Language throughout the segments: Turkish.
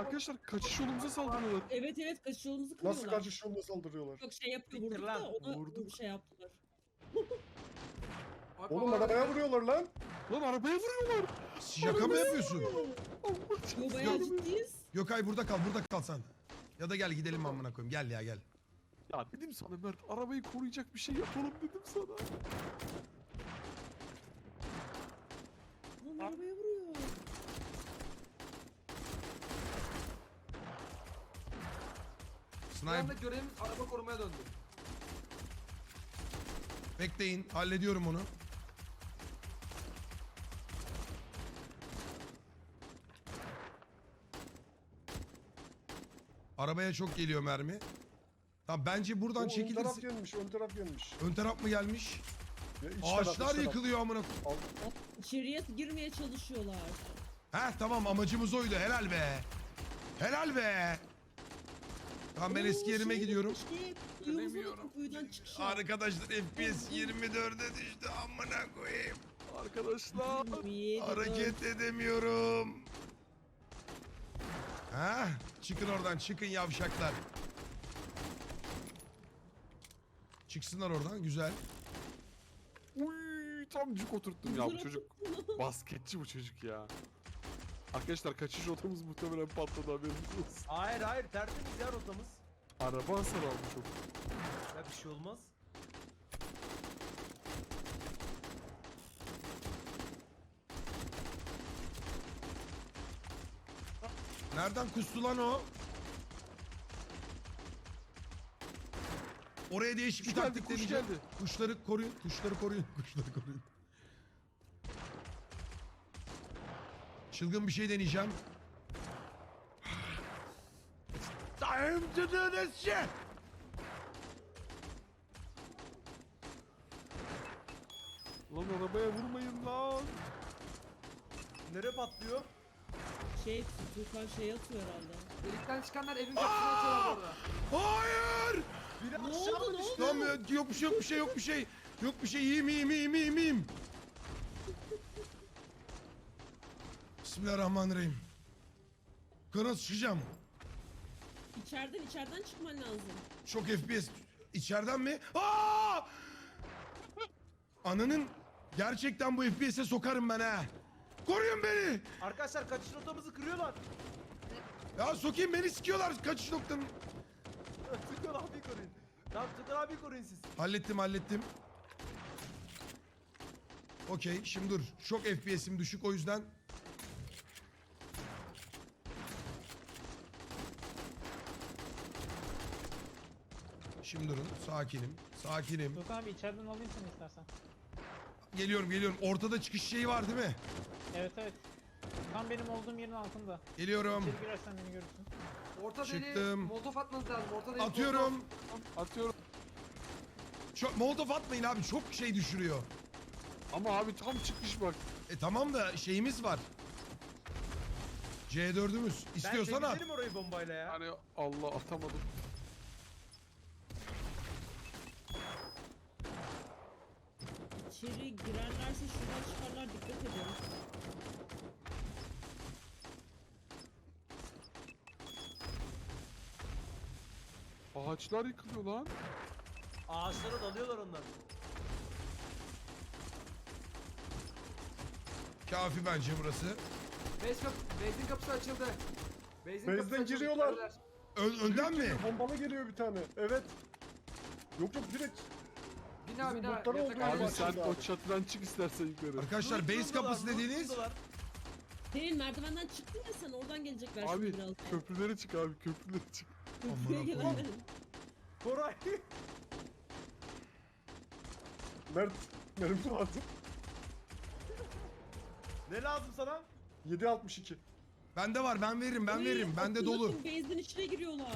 Arkadaşlar kaçış yolumuza saldırıyorlar. Evet evet kaçış yolumuzu kırıyorlar. Nasıl kaçış yoluna saldırıyorlar? Çok şey yapıyor Siktir vurduk lan, da ona vurduk. şey yaptılar. Oğlum arabaya vuruyorlar lan. Lan arabaya vuruyorlar. Şaka mı yapıyorsun? Yo bayağı ciddiyiz. Gökay burada kal sen. Ya da gel gidelim amına koyayım. Gel ya gel. Ya dedim sana Mert, arabayı koruyacak bir şey yapalım dedim sana. Lan arabaya vuruyor. Bir anda Sniper görevimiz araba korumaya döndü. bekleyin. Hallediyorum onu. Arabaya çok geliyor mermi. Tamam bence buradan Ön taraf çekilirsin. gelmiş, ön taraf gelmiş. Ön taraf mı gelmiş? Ya iç taraf, Ağaçlar iç taraf. yıkılıyor amına. İçeriye girmeye çalışıyorlar. Heh tamam amacımız oydu. Helal be. Helal be. Tamam ben eski yerime gidiyorum. Duyumuza kuyudan çıkış. Arkadaşlar FPS 24'e düştü amına koyayım. Arkadaşlar. Hareket edemiyorum. Ha? Çıkın oradan, çıkın yavşaklar. Çıksınlar oradan, güzel. Uy, tam cuk oturttum ya bu çocuk. Basketçi bu çocuk ya. Arkadaşlar kaçış rotamız muhtemelen patladı, haberiniz olsun. Hayır hayır, tertemiz ya rotamız. Araba hasar aldı çok. Ya bir şey olmaz. Nereden kustu lan o? Oraya değişik bir Kuş geldi, taktik kuş deneyeceğim. geldi. Kuşları koruyun, kuşları koruyun, kuşları koruyun. Çılgın bir şey deneyeceğim. Time to do this shit. Lan arabaya vurmayın lan. Nereye patlıyor? Tukan şey atıyor herhalde. Delikten çıkanlar evin kapısını açıyorlar bu arada. Hayır! Biri Ne aşağı oldu, mı ne düştü? Tamam yok bir şey yok bir şey yok bir şey. Yok bir şey iyiyim. Bismillahirrahmanirrahim. Yukarı çıkacağım. İçeriden çıkman lazım. Çok FPS. İçeriden mi? Aa! Ananın gerçekten bu FPS'e sokarım ben ha. Koruyun beni. Arkadaşlar kaçış rotamızı kırıyorlar. Ya sokayım beni sikiyorlar kaçış noktanın. Tukan abi koruyun. Tamam Tukan abi koruyun siz. Hallettim. Okey şimdi dur. Çok FPS'im düşük o yüzden. Şimdi durun. Sakinim. Yok abi içeriden alayım seni istersen. Geliyorum. Ortada çıkış şeyi var değil mi? Evet evet. Tam benim olduğum yerin altında. Geliyorum. İçeri girersen beni görürsün. Orta deliğe Çıktım. molotof atmanız lazım. Orta deliğe Atıyorum. Atıyorum. Çok molotof atmayın abi. Çok şey düşürüyor. Ama abi tam çıkmış bak. Tamam da şeyimiz var. C4'ümüz. İstiyorsan ben at. temizlerim orayı bombayla ya. Hani Allah atamadım. İçeri girerlerse şuradan çıkarlar, dikkat edin. Ağaçlar yıkılıyor lan. Ağaçlara dalıyorlar onlar. Kafi bence burası. Base'in kapısı açıldı. Base'den giriyorlar. Önden mi? Bombalı geliyor bir tane. Evet. Yok direkt. Bina Bizim botları oldu yatak abi. Abi sen Başladı o abi. çatıdan çık istersen yukarı. Arkadaşlar base kapısı dediğiniz. Senin merdivenden çıktın ya sen, oradan gelecekler şimdi Abi biraz. köprülere çık abi, köprülere çık. Köprüye Amına gelemem. Koray. Mert, mermi lazım. Ne lazım sana? 7.62. Bende var ben veririm bende Akın dolu. base'in içine giriyorlar.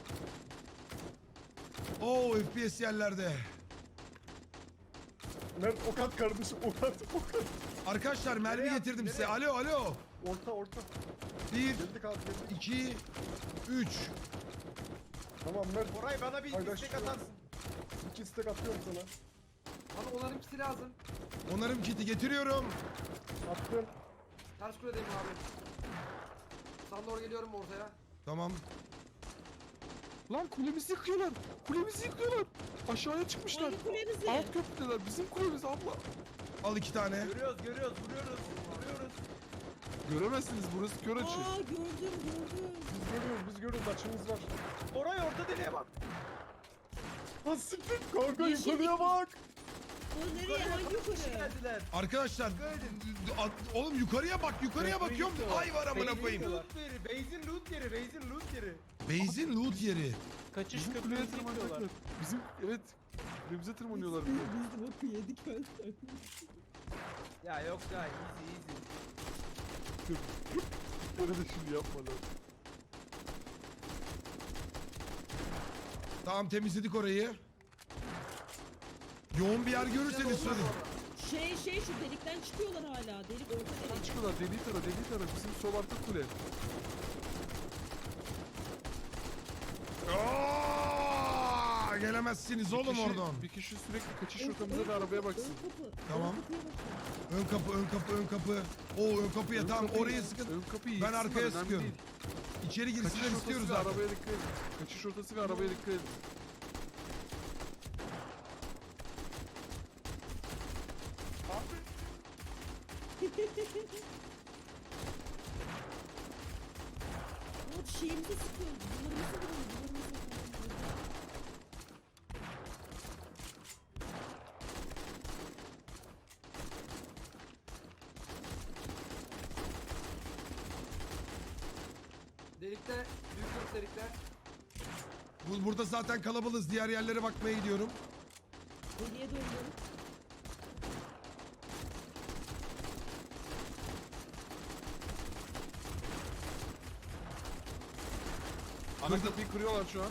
Oo FPS yerlerde. Mert ok at kardeşim, ok at. Arkadaşlar mermi Nereye getirdim attın, size. nereye? Alo. Orta. 1, Geldik abi geldik. 2, 3. Tamam Mert, Koray bana bir Paylaş istek şunu. atarsın. 2 istek atıyorum sana. Bana onların ikisi lazım. Onarım kiti getiriyorum. Attım. Ters kuledeyim abi. Sana doğru geliyorum ortaya. Tamam. Lan kulemizi yıkıyorlar. Kulemizi yıkıyorlar. Aşağıya çıkmışlar. Hangi kulenizi? Alt köprüdeler. Bizim kulemiz abla. Al 2 tane. Görüyoruz, vuruyoruz. Göremezsiniz, burası kör açı. Aa gördüm. Biz görüyoruz açımız var. Oraya orta deliğe bak. Ha siktir kanka Yeşil yukarıya bak. O nereye? Hangi yukarı? Geldiler. Arkadaşlar oğlum yukarıya bak, yukarıya Köprüyü bakıyorum. yıkıyorlar. Ay var amına koyayım. Base'in loot yeri. Base'in loot yeri. Kaçış Bizim kuleye köprüsü tırmanacaklar. yıkıyorlar. Bizim, evet. Kulemize tırmanıyorlar bir de. Biz de boku yedik öyle. Ya yok ya easy. Öyle de şimdi yapmalar. Tamam temizledik orayı. Yoğun bir yer görürseniz söyleyin. Şey şu delikten çıkıyorlar hala. Delik orta Buradan delik. çıkıyorlar, deliği tara. Bizim sol arka kule. Aa, gelemezsiniz oğlum kişi- oradan. Bir kişi sürekli kaçış rotamıza ve arabaya baksın. Ön kapı. Tamam. Ön kapıya bakın. Ön kapı. Oo ön kapıya tamam orayı sıkın. Ön kapıyı Ben yıksınlar, arkaya önemli sıkıyorum. değil. İçeri Kaçış girsinler rotası istiyoruz ve zaten. arabaya dikkat edin. Kaçış rotası ve arabaya dikkat edin. Ama şeyimizi sıkıyor. Duvarımızı vuruyor. Delikte, büyük delikte. Burada zaten kalabalığız. Diğer yerlere bakmaya gidiyorum. Deliye döndüm. Ana kapıyı kırıyorlar şu an.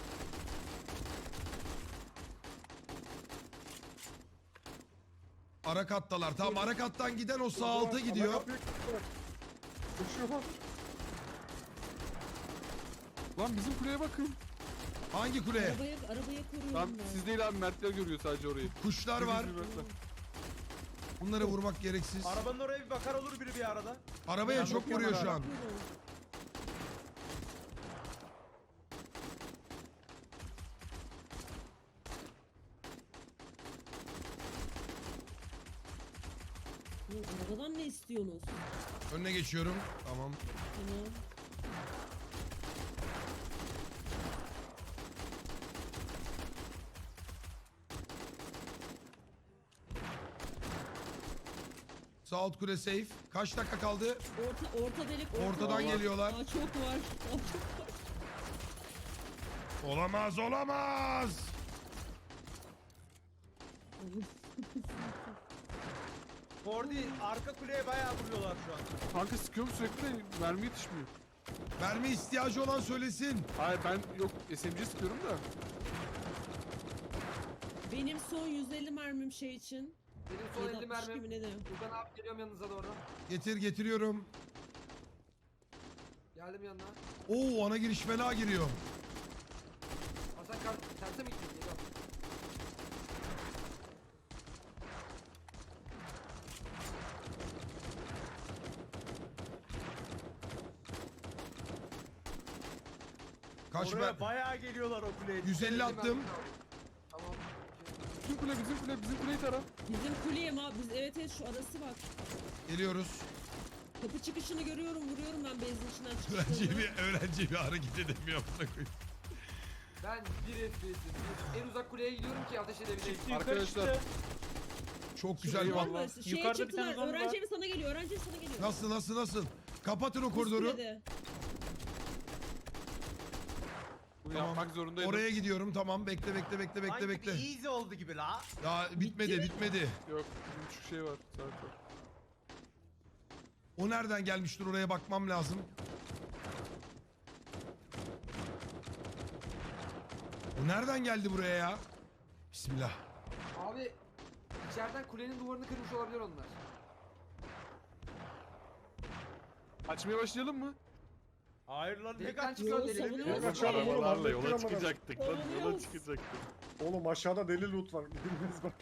Ara kattalar. Tamam ara kattan giden o sağ alta gidiyor. Ana kapıyı kırıyorlar. Koşuyorlar. Lan bizim kuleye bakın. Hangi kule? Arabaya koruyorum Lan ben. siz değil abi, Mertler görüyor sadece orayı. Kuşlar var. Bizim Mertler. Bunları vurmak gereksiz. Arabanın oraya bir bakar olur biri bir arada. Arabaya Ben çok bakıyorum vuruyor şu an. Bakıyorum. Bu arabadan ne istiyorsunuz? Önüne geçiyorum. Tamam. Tamam. Sağ alt kule safe. Kaç dakika kaldı? Orta delik. Ortadan geliyorlar. Aa, çok var. Aa, çok var. Olamaz. Fordi arka kuleye bayağı vuruyorlar şu an. Kanka sıkıyorum sürekli de mermi yetişmiyor. Mermi ihtiyacı olan söylesin. Hayır ben yok SMG sıkıyorum da. Benim son 150 mermim şey için. Benim son 50 762 mermim. mi ne de? Furkan abi geliyorum yanınıza doğru. Getiriyorum. Geldim yanına. Oo ana giriş fena giriyor. Hasan terse mi gittin? Geliyorum. Kaç Oraya ben? bayağı geliyorlar o kuleye. 150 50 attım. mermim kaldı. Tamam. Bizim kuleyi tara. Bizim kuleyim abi. Evet şu arası bak. Geliyoruz. Kapı çıkışını görüyorum. Vuruyorum ben benzin içinden Öğrenci bir hareket edemiyor amına koyayım. Ben bir FPS'im. En uzak kuleye gidiyorum ki ateş edebileyim. Yukarı Arkadaşlar. çıktı. Çok güzel Eyvallah. var. Şeye Yukarıda bir tane çıktılar. zombi var. Öğrenci evi sana geliyor. Öğrenci evi sana geliyor. Nasıl? Kapatın o koridoru. Üstüne. Bunu Tamam. yapmak zorundaydım. Oraya gidiyorum. Tamam bekle. Sanki bir easy oldu gibi la. Daha bitmedi. Yok, bir buçuk şey var. Saat var. O nereden gelmiştir oraya bakmam lazım. O nereden geldi buraya ya? Bismillah. Abi içeriden kulenin duvarını kırmış olabilir onlar. Açmaya başlayalım mı? Hayır lan ne Delikten kaç çıkıyor Yo, delik. savunuyor. Yok, açalım oğlum, Arabalarla hallettik yola ama. çıkacaktık lan. Yola Savunuyoruz. çıkacaktık. Oğlum aşağıda deli loot var. Gidilmez bak.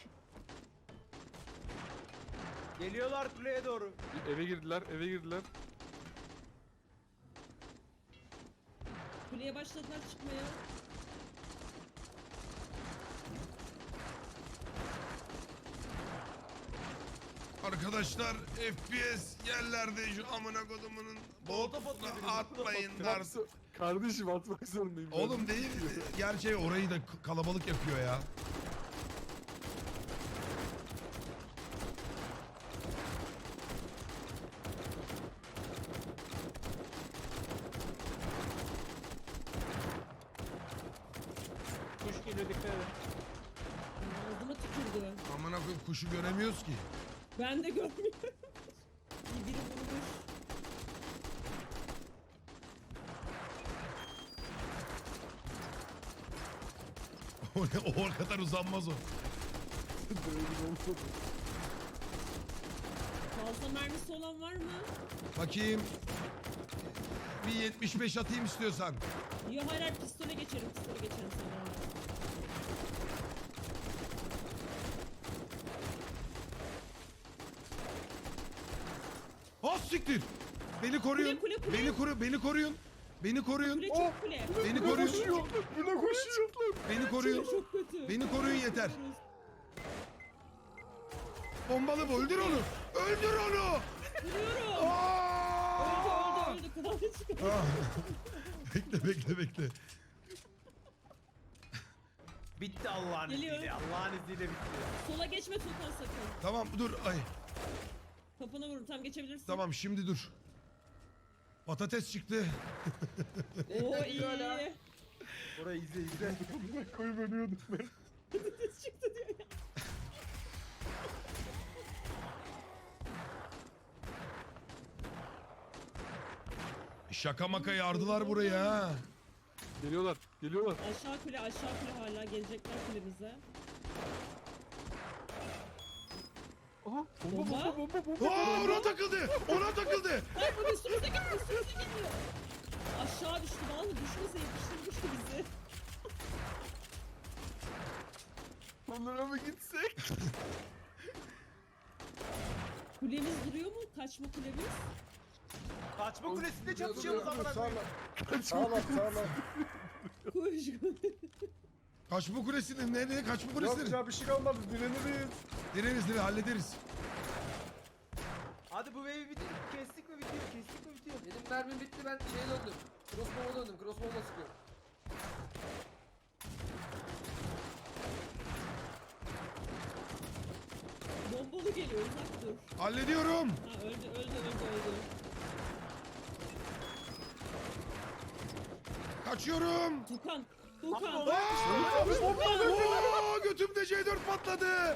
Geliyorlar kuleye doğru. Eve girdiler. Kuleye başladılar çıkmaya. Arkadaşlar FPS yerlerde şu amına kodumunun Molotof botuna atıyor biri, atmayın molotof artık. Kardeşim atmak zorundayım. ben. Oğlum değil. Gerçi orayı da kalabalık yapıyor ya. Kuş geliyor dikkat edin. Ağzıma tükürdü. Amına koyayım kuşu göremiyoruz ki. Ben de görmüyorum. İyi biri vurmuş. O ne o kadar uzanmaz o. Fazla mermisi olan var mı? Bakayım. Bir 75 atayım istiyorsan. Ya hayır hayır pistole geçerim sana. Ah siktir. Beni koruyun. Kule, kule, kule. Beni koruyun. Beni koruyun. Kule çok kule. Beni Buna koruyun. koşuyor. Buna koşuyor. Beni koruyun. Çok kötü. Beni koruyun yeter. Bombalı bu. Öldür onu. Öldür onu. Vuruyorum. Aa! Öldü. Kulağına çıkıyor. Ah. Bekle. Bitti Allah'ın Geliyor. izniyle. Allah'ın izniyle bitti. Sola geçme Tukan sakın. Tamam dur. Ay. Kafana vurur tam geçebilirsin. Tamam şimdi dur. Patates çıktı. Oo iyi. Hala. Orayı izle. Koyup ölüyordum ben. Patates çıktı diyor ya. Şaka maka yardılar buraya ha. Geliyorlar. Aşağı kule hala gelecekler kulemize. Aha. Bomba. Bomba. Aa, ona takıldı. Ay bu üstümüze gidiyor. Aşağı düştü vallahi düşmese yapıştırmıştı bizi. Onlara mı gitsek? Kulemiz duruyor mu? Kaçma kulemiz. Kaçma kulesinde çatışıyoruz amına koyayım. Sağlam. Koş. Kaçma kulesinin nereye? Kaçma Yok kulesinin. ya bir şey kalmadı. Direniriz. Direniz hallederiz. Hadi bu wave'i bitir. Kestik mi bitiyor? Benim mermim bitti ben şeye döndüm. Crossbow'a döndüm. Crossbow'la sıkıyorum. Bombalı geliyor uzak dur. Hallediyorum. Ha öldü. Kaçıyorum. Tukan. Aa, götümde C4 patladı.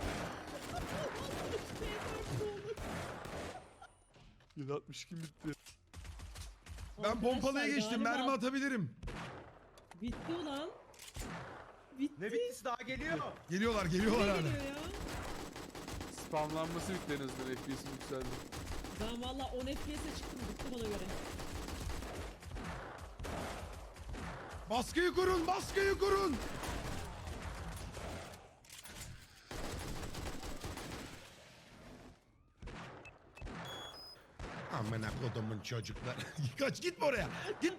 762 bitti. Ben pompalıya Arkadaşlar, geçtim. galiba Mermi atabilirim. Bitti ulan. Bitti. Ne bittisi daha geliyor. Geliyorlar Ne hala. geliyor ya? Spamlanması bitti en azından. FPS'im yükseldi. Ben valla 10 FPS'e çıktım bitti bana göre. Baskıyı kurun. Amına kodumun çocuklar. Kaç gitme oraya.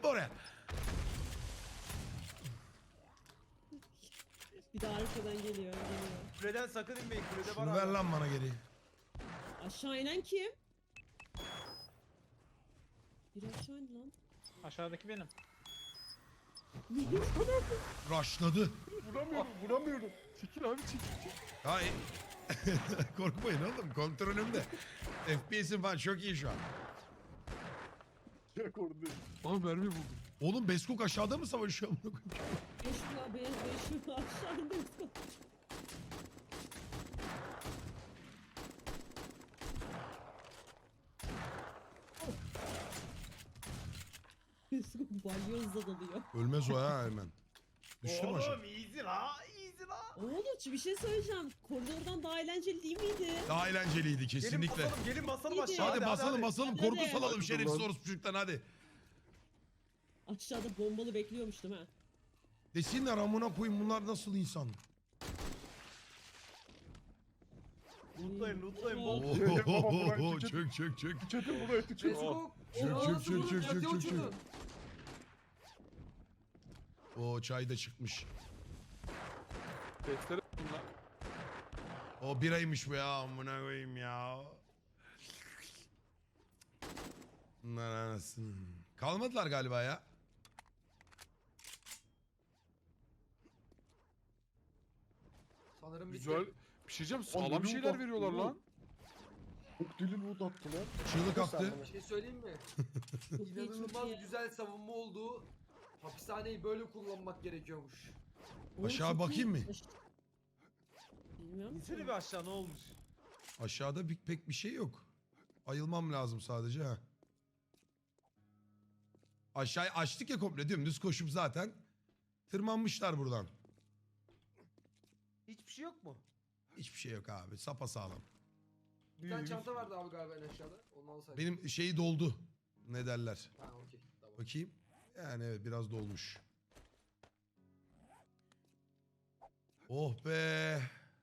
Bir de arkadan geliyor. Kuleden sakın inmeyin. Kulede var Şunu ver hala. lan bana geri. Aşağı inen kim? Bir aşağı indi lan. Aşağıdaki benim. Rushladı. Vuramıyorum. Çekil abi çekil. Hay. Korkmayın oğlum. Kontrolümde. FPS'im falan çok iyi şu an. Çek orada. Aha mermi buldum. Oğlum Beskok aşağıda mı savaşıyor? 5 yıl aşağı indi. Balyozla dalıyor. Ölmez o ha hemen. Düştüm aşağı. Oğlum easy la. Oğlum bir şey söyleyeceğim. Koridordan daha eğlenceli değil miydi? Daha eğlenceliydi kesinlikle. Gelin basalım Hadi. aşağı. Hadi basalım. Hadi. Korku salalım Hadi. şerefsiz orospu çocuktan hadi. Aşağıda bombalı bekliyormuştum ha. Desinler amına koyayım bunlar nasıl insan? Lootlayın Oo, bol. çök. Çetin buraya tükür. Facebook. Çök. O çay da çıkmış. Testere bunlar. O biraymış bu ya. Amına koyayım ya. Bunlar anasını. Kalmadılar galiba ya. Sanırım bitti. Güzel. Bir şey diyeceğim. Lan Sağlam ne şeyler loot veriyorlar attı lan. Çok deli loot attılar. Çığlık attı. Bir şey söyleyeyim mi? Çok iyi, çok İnanılmaz iyi. güzel savunma olduğu, hapishaneyi böyle kullanmak gerekiyormuş. Oğlum, Aşağı çok bakayım iyi. mı? Bilmiyorum ki. İnsene bir aşağı ne olmuş? Aşağıda pek bir şey yok. Ayılmam lazım sadece ha. Aşağıya açtık ya komple dümdüz koşup zaten tırmanmışlar buradan. Hiçbir şey yok mu? Hiçbir şey yok abi sapasağlam. Bir tane çanta vardı abi galiba en aşağıda. Onu alsaydım. Benim şeyi doldu. Ne derler? Ha okey. Tamam. Bakayım. Yani evet biraz dolmuş. Oh be.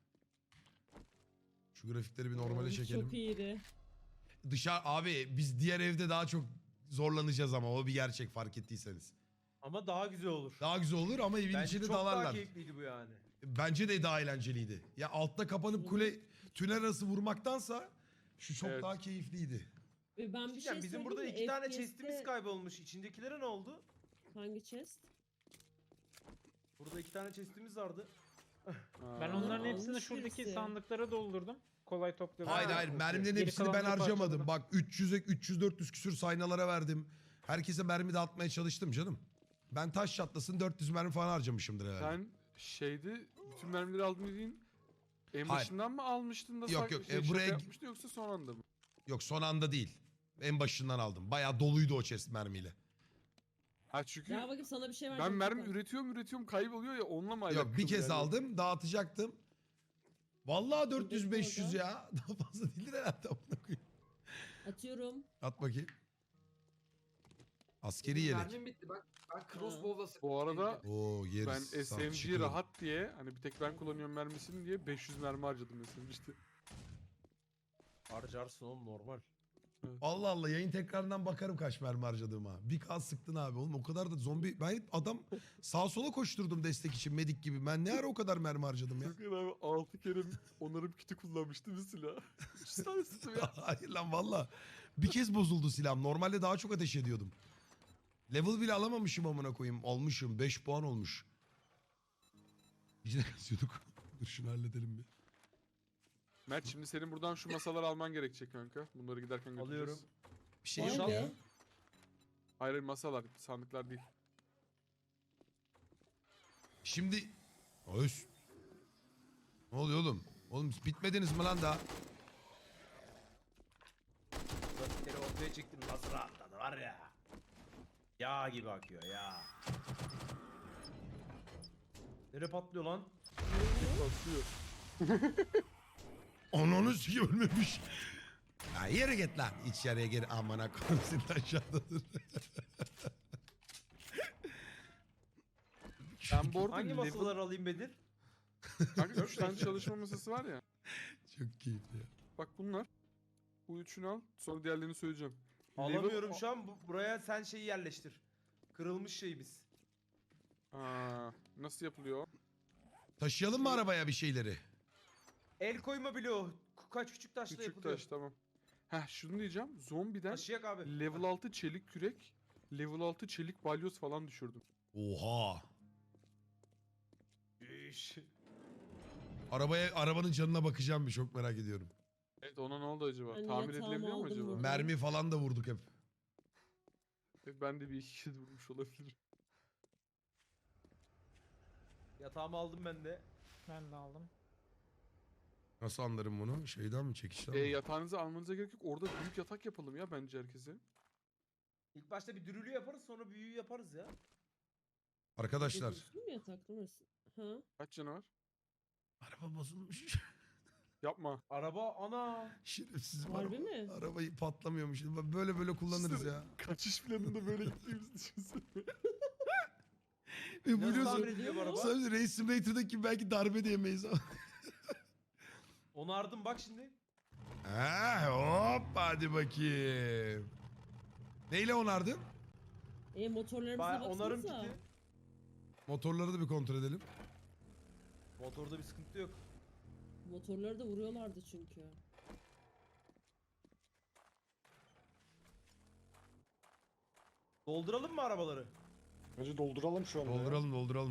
Şu grafikleri bir normale Oğlum, çekelim. Çok iyiydi. Dışarı abi biz diğer evde daha çok zorlanacağız ama o bir gerçek fark ettiyseniz. Ama daha güzel olur. Daha güzel olur ama evin Bence içinde çok daha dalarlar. keyifliydi bu yani. Bence de daha eğlenceliydi. Ya altta kapanıp kule tünel arası vurmaktansa şu çok Evet. daha keyifliydi. Ve ben bir şey Diyeceğim, bizim burada söyleyeyim 2 mi? tane FPS'te chest'imiz kaybolmuş. İçindekilere ne oldu? Hangi chest? Burada 2 tane chest'imiz vardı. Ben Ha. onların Aa, hepsini almış şuradaki birisi. sandıklara doldurdum. Kolay topluyorum. Hayır hayır okey. mermilerin Geri hepsini ben kalanları harcamadım. parçaladım. Bak 300-400 küsür saynalara verdim. Herkese mermi dağıtmaya çalıştım canım. Ben taş çatlasın 400 mermi falan harcamışımdır herhalde. Sen şeydi bütün mermileri aldın dediğin en Hayır. başından mı almıştın da Yok, yok, şaka buraya- yapmıştın yoksa son anda mı? Yok son anda değil. En başından aldım. Bayağı doluydu o chest mermiyle. Ha çünkü Ya bakayım sana bir şey ben vereceğim. mermi Furkan. üretiyorum kayboluyor ya onunla mı Yok bir alakalı kez yani? aldım dağıtacaktım. Vallahi Buradaki 400-500 orada. ya. Daha fazla değildir herhalde. amına koyayım. Atıyorum. At bakayım. Askeri Benim yelek. mermim bitti. Ben crossbow'la sıktım. Bu arada Oo yeriz. ben Sağ- SMG çıkıyorum. rahat diye hani bir tek ben kullanıyorum mermisini diye 500 mermi harcadım SMG'de. Harcarsın oğlum normal. Allah Allah yayın tekrarından bakarım kaç mermi harcadığıma. Bir kas sıktın abi oğlum o kadar da zombi. Ben adam sağa sola koşturdum destek için medik gibi. Ben ne ara o kadar mermi harcadım ya. Bakın abi 6 kere onarım kiti kullanmıştım silah. 3 tane sıktım ya. Hayır lan valla. Bir kez bozuldu silahım. Normalde daha çok ateş ediyordum. Level bile alamamışım amına koyayım. Almışım 5 puan olmuş. Biz de kasıyorduk. Dur şunu halledelim bir. Mert şimdi senin buradan şu masaları alman gerekecek kanka. Bunları giderken götüreceğiz. Alıyorum. Bir şey Vay yok be. ya. Hayır hayır, masalar sandıklar değil. Şimdi... Öz. Ne oluyor oğlum? Oğlum bitmediniz mi lan daha? Grafikleri ortaya çektim nasıl rahatladı var ya. Yağ gibi akıyor ya. Nereye patlıyor lan? Basıyor. Ananı sikim ölmemiş. Ya yere git lan. İçeriye gir amına koyayım seni aşağıda dur. Ben bu arada Hangi level... masaları alayım Bedir? Kanka 3 tane çalışma masası var ya. Çok keyifli ya. Bak bunlar. Bu üçünü al. Sonra diğerlerini söyleyeceğim. Alamıyorum şu an. Buraya sen şeyi yerleştir. Kırılmış şeyimiz. Aa, nasıl yapılıyor o? Taşıyalım mı arabaya bir şeyleri? El koyma bloğu. Kaç küçük taşla Küçük yapılıyor. taş tamam. Heh şunu diyeceğim. Zombiden Taşıyak abi. level 6 çelik kürek, level 6 çelik balyoz falan düşürdüm. Oha. İş. Arabanın canına bakacağım bir çok merak ediyorum. Evet ona ne oldu acaba? Ben Tamir yatağımı edilebiliyor mu aldım acaba? buradan. Mermi falan da vurduk hep. Ben de bir iki kez vurmuş olabilirim. Yatağımı aldım ben de. Ben de aldım. Nasıl anlarım bunu? Şeyden mi çekişten mi? Yatağınızı almanıza gerek yok. Orada büyük yatak yapalım ya bence herkese. İlk başta bir dürülü yaparız sonra büyüğü yaparız ya. Arkadaşlar. Üstün mü yatak burası? Ha? Kaç canı var? Araba bozulmuş. Yapma. Araba ana. Şerefsiz Harbi araba. mi? Arabayı patlamıyormuş. Böyle böyle kullanırız Düşünsene, ya. Kaçış planında böyle gittiğimizi düşünsene. Ve Nasıl biliyorsun. tamir ediyor bu araba? Sadece Race Simulator'daki belki darbe de yemeyiz ama. Onardım bak şimdi. Hop hadi bakayım. Neyle onardın? Motorlarımıza Onarım baksanıza. kiti. Motorları da bir kontrol edelim. Motorda bir sıkıntı yok. Motorları da vuruyorlardı çünkü. Dolduralım mı arabaları? Bence dolduralım şu anda ya. Dolduralım.